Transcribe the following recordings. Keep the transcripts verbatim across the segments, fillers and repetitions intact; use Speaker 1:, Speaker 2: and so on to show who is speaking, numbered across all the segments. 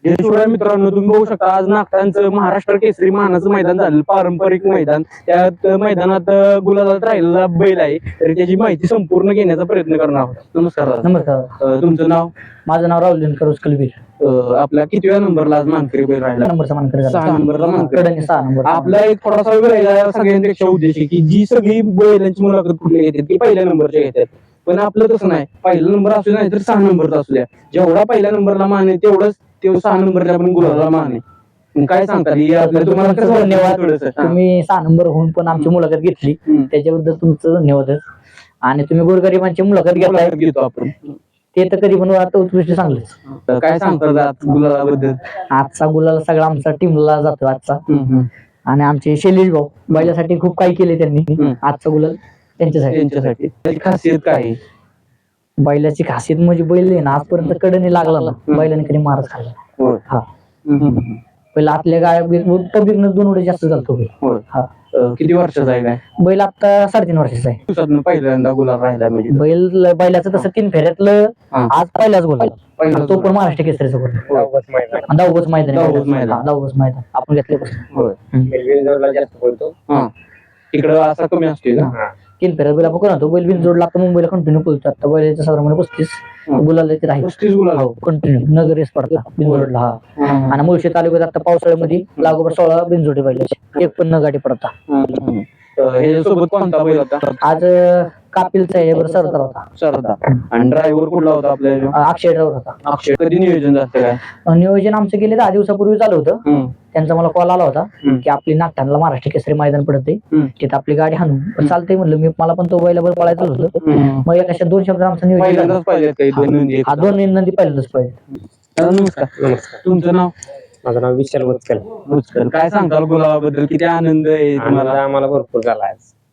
Speaker 1: शिवाय मित्रांनो तुम्ही बघू शकता आज नागटांचं महाराष्ट्र केसरी मानाचं मैदान झालं, पारंपरिक मैदान. त्यात मैदानात गुलालात राहिलेला बैल आहे, तरी त्याची माहिती संपूर्ण घेण्याचा प्रयत्न करणार आहोत. नमस्कार दादा.
Speaker 2: नमस्कार.
Speaker 1: तुमचं नाव?
Speaker 2: माझं नाव राहुल दिनकर उसकलबीर.
Speaker 1: आपल्या कितव्या नंबरला आज मानकरी बैल राहिला?
Speaker 2: नंबरचा मानकरी
Speaker 1: सहा नंबरला मानकरी.
Speaker 2: सहा नंबर.
Speaker 1: आपला एक थोडासा वेगळा सगळ्यांपेक्षा उद्देश आहे की जी सगळी बैलांची मुलाखत कुठली घेतात ती पहिल्या नंबरच्या घेतात, पण आपलं तसं नाही. पहिला नंबर असू नाही तर सहा नंबरचा असू द्या, जेवढा पहिल्या नंबरला मान आहे तेवढंच ते सहा नंबरच्या पण गुलाला मान आहे. काय सांगता तुम्हाला कसं?
Speaker 2: धन्यवाद. तुम्ही सहा नंबर होऊन पण आमची मुलाखत घेतली त्याच्याबद्दल तुमचं धन्यवाद. आणि तुम्ही गोरगरिबांची मुलाखत घेताय
Speaker 1: घेतो आपण
Speaker 2: ते तर कधी पण आता उत्कृष्ट चांगलंच.
Speaker 1: काय सांगतात गुलालाबद्दल?
Speaker 2: आजचा गुलाल सगळा आमचा टीमला जातो आजचा. आणि आमचे शैलेश भाऊ बैलासाठी खूप काही केले त्यांनी. आजचा गुलाल त्यांच्यासाठी.
Speaker 1: त्यांच्यासाठी त्याची खासियत काय?
Speaker 2: बैलाची खासियत म्हणजे बैल आहे ना आजपर्यंत कडे लागला ना, बैलाने कधी मारच खाल्ला. हा पहिला आपल्या गाड्या पब्लिक न दोन वेळेस जास्त चालतो बैल. हा
Speaker 1: किती वर्षाचा आहे काय
Speaker 2: बैल? आता साडेतीन वर्षाचा आहे.
Speaker 1: दिवसातून पहिल्यांदा गुलाल राहिला म्हणजे
Speaker 2: बैल बैलाचं तसं तीन फेऱ्यातलं आज पहिलाच गुलाल, तो पण महाराष्ट्र केसरीचा गुलाल. दहावच मैदान दहावच मैदान आपण घेतल्यापासून
Speaker 1: इकडं असा कमी असतो ना.
Speaker 2: तीन फेऱ्यात बैल आपण करतो. बैल बिन जोडला तर मुंबईला कंटिन्यू पळतो. आता बैलाच्या साधारण पस्तीस गुलाल राहील.
Speaker 1: पस्तीस गुलाल
Speaker 2: कंटिन्यू नगर रेस पडता बिनजोडला. हा आणि मुळशी तालुक्यात आता पावसाळ्यामध्ये लागोबर सोळा बिनजोडी बैलाचे, एक पण न गाडी पडता.
Speaker 1: ह्याच्यासोबत कोणता बैल होता
Speaker 2: आज? कापिलचा आहे बरं, सरदार होता.
Speaker 1: सरदार. आणि ड्रायव्हर कुठला होता आपल्या?
Speaker 2: अक्षय ड्रायव्हर होता.
Speaker 1: अक्षय. कधी नियोजन जातं काय?
Speaker 2: नियोजन आमचं गेले दहा दिवसापूर्वी चालू होतं. त्यांचा मला कॉल आला होता की आपली नागठाणला महाराष्ट्र केसरी मैदान पडते, तिथे आपली गाडी हाणू. पण चालतंय म्हणलं मी, मला पण तो बैलावर पळायचं होतं. मग एका दोन शब्द आमचं नियोजन हा दोन नंदी पहिल्यांदाच पाहिजे.
Speaker 1: नमस्कार. तुमचं नाव?
Speaker 3: माझं नाव विशाल वत्सल.
Speaker 1: वत्सल. काय सांगाल गुलाबाबद्दल? किती आनंद आहे तुम्हाला?
Speaker 3: आम्हाला भरपूर झाला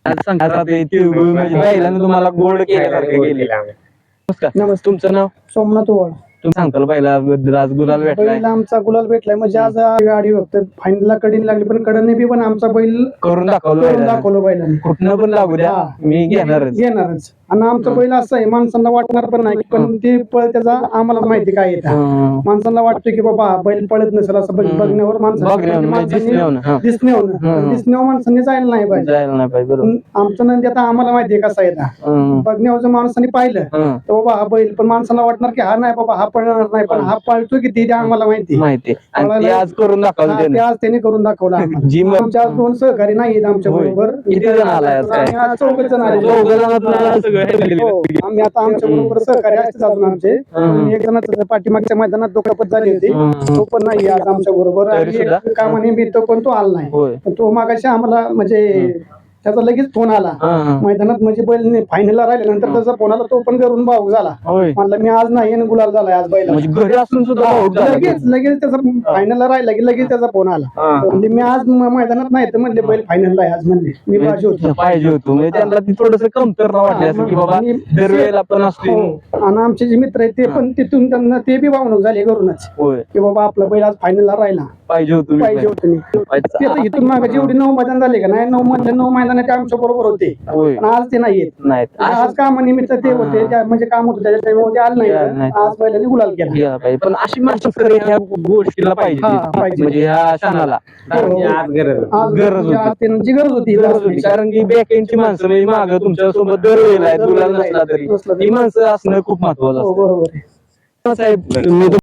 Speaker 1: पहिल्यांदा तुम्हाला गोल्ड केल्यासारखं केलेलं. नमस्कार. तुमचं नाव?
Speaker 4: सोमनाथ ओवाळ.
Speaker 1: तुम्ही सांगताल बैलाबद्दल आज गुलाल भेटलाय?
Speaker 4: बैल आमचा गुलाल भेटलाय म्हणजे आज गाडी फक्त फायनलला कडीन लागली, पण कडने बी पण आमचा बैल
Speaker 1: करून दाखवलं.
Speaker 4: करून दाखवलं बैलाने.
Speaker 1: कुठनं पण लागू द्या, मी घेणारच
Speaker 4: घेणारच. आणि आमचा बैल असं आहे माणसांना वाटणार पण नाही, पण ते पळ त्याचा आम्हाला माहिती काय येतं. माणसांना वाटतं की बाबा बैल पळत नसेल असं बघण्यावर माणसांनी दिसण्यावर दिसण्यावर माणसांनी जायला नाही पाहिजे. आमचं नंदी आता आम्हाला माहितीये कसा येतं. बघण्यावर जर माणसांनी पाहिलं तर बाबा हा बैल, पण माणसाला वाटणार की हा नाही बाबा हा पळणार नाही, पण हा पळतो किती ते आम्हाला माहिती
Speaker 1: माहिती आज करून दाखवलं.
Speaker 4: ते आज त्याने करून दाखवला. आमच्या दोन सहकारी नाही आमच्या बरोबर.
Speaker 1: किती जण आलाय?
Speaker 4: चौघ जण आले. आम्ही आता आमच्या बरोबर सहकारी असते अजून आमचे. एक जणांचं पाठीमागच्या मैदानात दुखापत झाली होती, तो पण नाही आज आमच्या बरोबर. कामाने मी तो पण तो आला नाही. तो मागाशी आम्हाला म्हणजे त्याचा लगेच फोन आला मैदानात, म्हणजे बैल फायनलला राहिल्यानंतर त्याचा फोन आला, तो पण घरून भाऊक झाला. म्हणलं मी आज नाही गुलाल झालाय आज बैल.
Speaker 1: घरी असून सुद्धा
Speaker 4: लगेच लगेच त्याचा फायनलला राहिला की लगेच त्याचा फोन आला. म्हणजे मी आज मैदानात नाही तर म्हणले बैल फायनलला आहे आज, म्हणले मी पाहिजे होतो
Speaker 1: पाहिजे होतो. म्हणजे त्यांना ती थोडस कमतरता वाटली असं की बाबा दरवेळेला पण असतो.
Speaker 4: आणि आमचे जे मित्र आहेत ते पण तिथून त्यांना ते बी भावणूक झाले घरूनच की बाबा आपला बैल आज फायनलला राहिला.
Speaker 1: पाहिजे होतो
Speaker 4: पाहिजे होतो मी. इथून मागे जेवढी नऊ मैदान झाले का नाही, नऊ मधले नऊ मैदान ते आमच्या बरोबर होते, पण आज ते नाही येत. आज कामानिमित्त ते होते, म्हणजे काम होतं त्याच्यामुळे ते आलं नाही. आज बैलांनी गुलाल केला.
Speaker 1: पण अशी माणसं ह्या गोष्टीला पाहिजे, म्हणजे ह्या क्षणाला
Speaker 4: आज
Speaker 1: गरज
Speaker 4: त्यांची गरज होती.
Speaker 1: कारण की बॅकएंडची माणसं म्हणजे मागं तुमच्या सोबत दरवेळेला गुलाल नसला तरी ती माणसं असणं खूप महत्वाचं असतं.
Speaker 4: बरोबर
Speaker 1: साहेब.